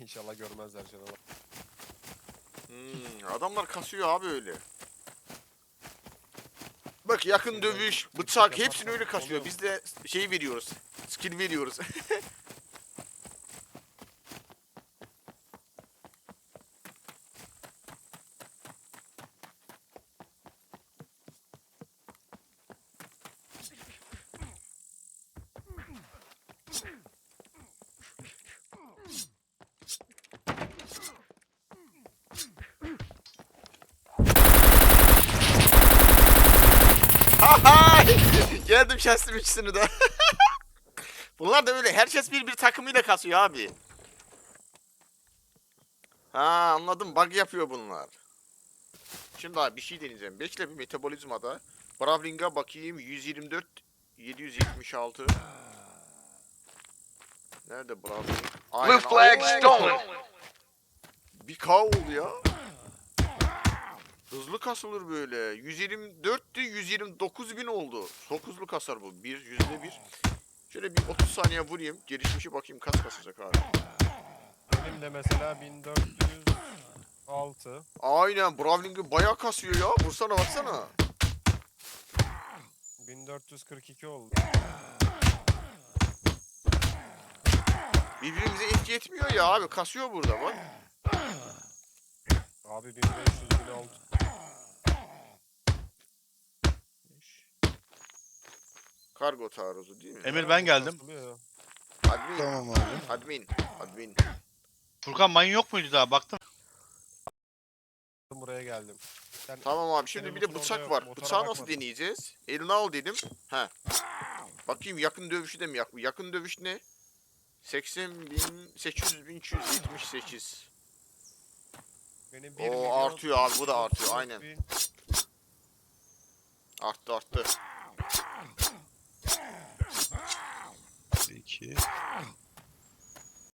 İnşallah görmezler canım. Adamlar kasıyor abi öyle. Bak yakın dövüş, bıçak hepsini öyle kasıyor. Biz de şey veriyoruz. Skill veriyoruz. Geldim kestim ikisini de. Bunlar da öyle. Herkes bir takımıyla kasıyor abi. Ha anladım. Bug yapıyor bunlar. Şimdi abi bir şey deneyeceğim. Bekle bir metabolizmada. Brawling'a bakayım. 124 776. Nerede Brawling? Blue flag stolen. Bir K oldu ya. Hızlı kasılır böyle. 124'tü 129 bin oldu. Çok hızlı kasar bu. %1. Şöyle bir 30 saniye vurayım. Gelişmişi bakayım kaç kasacak abi. Benim de mesela 1406. Aynen Brawling'i bayağı kasıyor ya. Vursana baksana. 1442 oldu. Birbirimize etki etmiyor ya abi. Kasıyor burada bak. Abi 1500 bin oldu. Kargo taarruzu değil mi? Emir ben geldim. Kasılıyor. Admin. Tamam abi. Admin. Furkan mayın yok muydu daha baktın? Buraya geldim. Sen Tamam abi şimdi Senin bir de motor bıçak orada var. yok, motora Bıçağı nasıl bakmadım. deneyeceğiz? Eline al dedim. He. Bakayım yakın dövüşü de mi yak? Yakın dövüş ne? 80.800.378. benim O artıyor abi bu da artıyor aynen. Arttı.